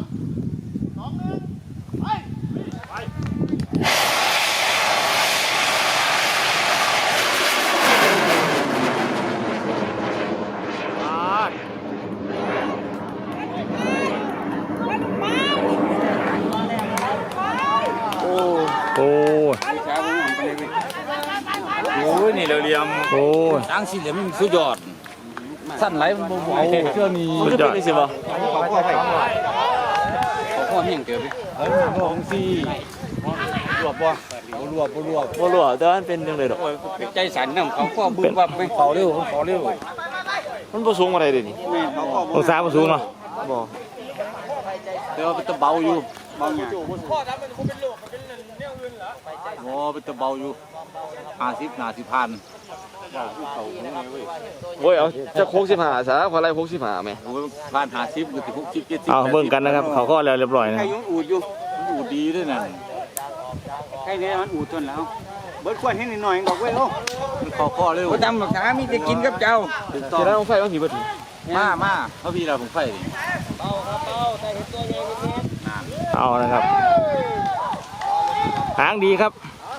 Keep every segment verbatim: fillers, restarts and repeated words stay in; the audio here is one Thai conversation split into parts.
สองหนึ่งไปไปโอ้โอ้ยนี่เราเรียมโอ้ตั้งสี่เหลี่ยมมันสุดยอดสั้นไหลมันบ่ไหวเชื่อนี่สุดยอดได้สิบ่เขาข้อไปเขาข้อเฮียงเกิดไปเฮ้ยมันของสี่รวบบ่รวบบ่รวบบ่รู้แต่ว่ามันเป็นจังได๋ดอกใจสั่นนำเขาข้อบึ้งวับไม่เขาเร็วเขาเร็วมันบ่สูงปานใดเด้นี่องศาบ่สูงเนาะบ่แต่ว่าเป็นตะเบาอยู่เบาหยังข้อนั้นมันคงเป็นโลกมันเป็นแนวอื่นเหรอโอ้เป็นตะเบาอยู่ห้าสิบห้าสิบพันโอ้ยเอาจะโค้งสิบห้าซะขอไล่โค้งสิบห้าแม่โอ้ยพันห้าสิบก็สิบหกสิบเจ็ดสิบเอาเบิ่งกันนะครับเขาก็แล้วเรียบร้อยนะใครยังอูดอยู่อูดดีด้วยนั่นใครเนี่ยมันอูดจนแล้วเบิดควรให้หน่อยๆดอกเว้ยโอ้มันขอข้อเร็วบ่จำหรอกนะมีแต่กินกับเจ้าถึงต่อสิได้ต้องไฟต้องสิเบิดมามาเพราะพี่เราผมไฟดิเอานะครับหางดีครับ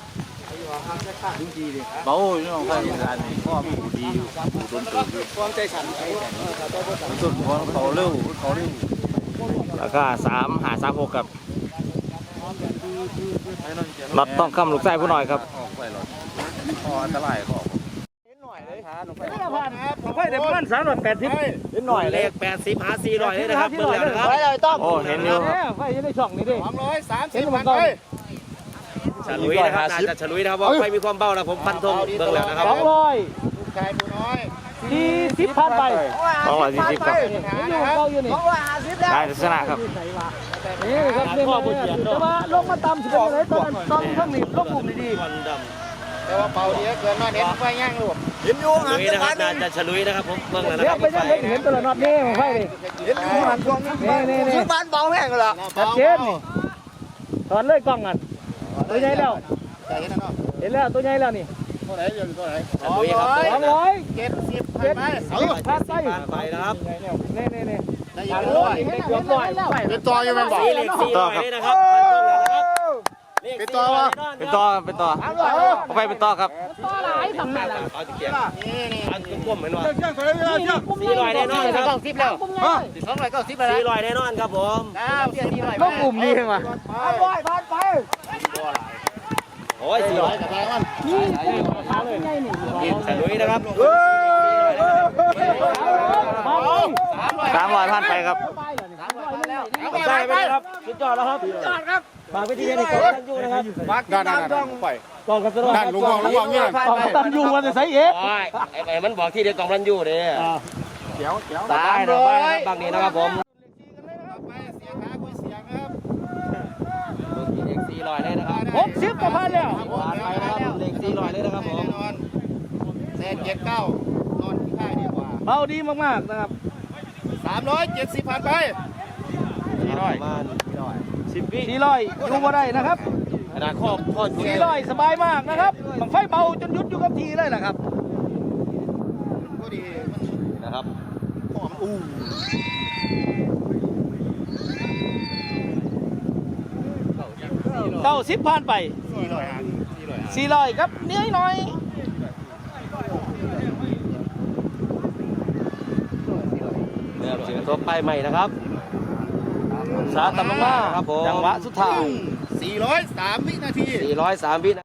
เบาอยู่น้องไฟอันนี้ข้อมันอูดดีอยู่อูดโดนตื่นความใจสั่นต้นหัวเขาเร็วเขาเร็วแล้วก็สามหาสามหกครับน็อตต้องคำลูกไส้ผู้น้อยครับออกไปหรอกข้ออันตรายข้อไฟเดี๋ยวประมาณสามร้อยแปดสิบนิดหน่อยเลขแปดสิบหาสี่ร้อยเลยนะครับเบิ่งแล้วนะครับโอ้เห็นอยู่ไฟยังได้ช่องนี่ดิสองร้อยสามสิบพันไปฉลุยนะครับน่าจะฉลุยนะครับว่าไฟมีความเบานะผมฟันธงเบิ่งแล้วนะครับสองร้อยลูกชายผู้น้อยสี่สิบพันไปสองร้อยสี่สิบครับอยู่เบาอยู่นี่ได้ลักษณะครับนี่ครับเนี่ยแต่ว่าลงมาต่ำสิบเป็นไรตอนตอนข้างนี้ลงกลุ่มดีแต่ว่าเป่าดีเกินมาเน้นไฟย่างลูกๆฉลุยนะครับน่าจะฉลุยนะครับผมเบิ่งแล้วนะครับไปยังเห็นตัวละน็อตนี่ของไฟดิเห็นอยู่หันกล้องนี่นี่นี่บ้านเบาแห้งเหรอชัดเจนนี่ถอนเลยกล้องกันตัวใหญ่แล้วใจเห็นแล้วเนาะเห็นแล้วตัวใหญ่แล้วนี่เท่าไหร่เดือนเท่าไหร่สองร้อยสองร้อยเจ็ดสิบพันเจ็ดไปสิบพันไปไปนะครับนี่นี่นี่ได้ยินเป็นร้อยเป็นตัวร้อยเป็นตัวอยู่เป็นบ่สี่เหล็กสี่ร้อยนี่นะครับเป็นตัววะเป็นต่อเป็นต่อเอาไปเป็นต่อครับเอาจะเขียนนี่นี่อันกลมๆเหมือนว่าสี่ร้อยแน่นอนครับเก้าสิบแล้วสองร้อยเก้าสิบแล้วสี่ร้อยแน่นอนครับผมเก้าสิบสี่ร้อยต้องกลุ่มดีใช่ไหมร้อยพันไปโอ้ยสี่ร้อยกับแรงมันฉลุยนะครับสามร้อยพันไปครับใช่ไหมครับสุดยอดแล้วครับสุดยอดครับฝากไปที่นี่กองตันยูนะครับด้านด้านด้านไปกองกันตลอดด้านลุงมองลุงมองนี่กองตันยูมันจะใส่เอ๊ะไอ้มันบอกที่เดียวกองตันยูเนี่ยเดี๋ยวเดี๋ยวตายนะบางนี้นะครับผมไปเสียขาคุยเสียงครับเลขสี่ร้อยเลยนะครับหกสิบก็พันแล้วผ่านไปนะครับเลขสี่ร้อยเลยนะครับผมแน่นอนเศษเจ็ดเก้านอนที่ค่ายดีกว่าเบาดีมากๆนะครับสามร้อยเจ็ดสิบพันไปสี่ร้อยสิบวิสี่ร้อยอยู่บ่ได้นะครับขนาดข้อข้อสี่ร้อยสบายมากนะครับบังไฟเบาจนยุดอยู่กับทีเลยนะครับก็ดีนะครับหอมอู้เก้าสิบผ่านไปสี่ร้อยห้าสี่ร้อยห้าสี่ร้อยครับเนื้อหน่อยเริ่มเสียงตัวไปใหม่นะครับสาตำลงมาครับผมจังหวะสุดท้ายสี่ร้อยสามวินาทีสี่ร้อยสามวิ